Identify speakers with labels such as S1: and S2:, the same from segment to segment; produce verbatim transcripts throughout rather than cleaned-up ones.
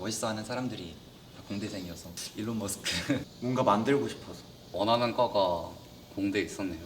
S1: 멋있어하는 사람들이 다 공대생이어서 일론 머스크
S2: 뭔가 만들고 싶어서.
S3: 원하는 과가 공대에 있었네요.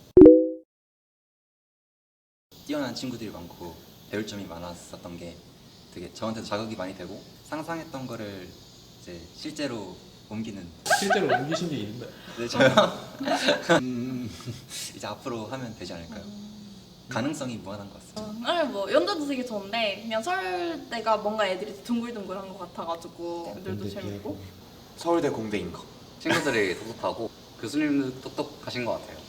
S1: 뛰어난 친구들이 많고 배울 점이 많았었던 게 되게 저한테도 자극이 많이 되고 상상했던 거를 이제 실제로 옮기는
S4: 실제로 옮기신 게 있는데.
S1: 네, 저요. 음, 이제 앞으로 하면 되지 않을까요? 가능성이 무한한 것 같습니다.
S5: 아니 뭐 연도도 되게 좋은데 그냥 서울대가 뭔가 애들이 둥글둥글한 것 같아가지고 애들도 재밌고.
S2: 서울대 공대인 거.
S3: 친구들이 똑똑하고 교수님도 똑똑하신 것 같아요.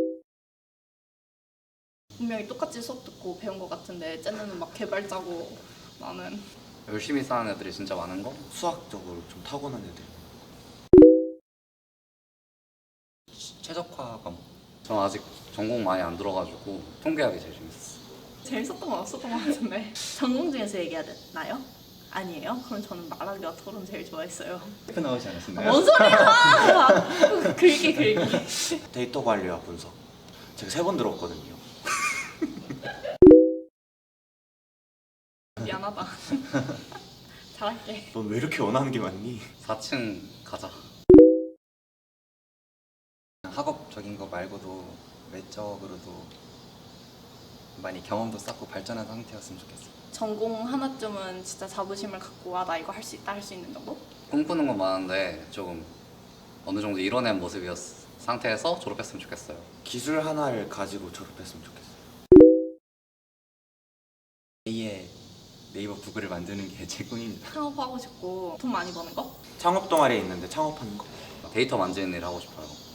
S5: 분명히 똑같이 수업 듣고 배운 것 같은데 쟤네는 막 개발자고 나는
S3: 열심히 사는 애들이 진짜 많은 거?
S2: 수학적으로 좀 타고난 애들.
S1: 최적화 과목.
S3: 저는 아직 전공 많이 안 들어가지고 통계학이 제일 재밌었어요.
S5: 재밌었던 건 없었던 것 같은데. 전공 중에서 얘기해야 되나요? 아니에요? 그럼 저는 말하기와 토론 제일 좋아했어요.
S1: 그 나오지 않았었나요?
S5: 뭔 소리야! 긁기 긁기.
S2: 데이터 관리와 분석. 제가 세 번 들었거든요.
S5: 미안하다. 잘할게.
S2: 넌 왜 이렇게 원하는 게 많니?
S3: 사 층 가자.
S1: 학업적인 거 말고도 외적으로도 많이 경험도 쌓고 발전한 상태였으면 좋겠어요.
S5: 전공 하나쯤은 진짜 자부심을 갖고 와 나 이거 할 수 있다 할 수 있는 정도?
S3: 꿈꾸는 건 많은데 조금 어느 정도 이뤄낸 모습이었 상태에서 졸업했으면 좋겠어요.
S2: 기술 하나를 가지고 졸업했으면 좋겠어요.
S1: A의 네이버 구글을 만드는 게 제 꿈입니다.
S5: 창업하고 싶고 돈 많이 버는 거?
S2: 창업 동아리에 있는데 창업하는 거.
S3: 데이터 만지는 일 하고 싶어요.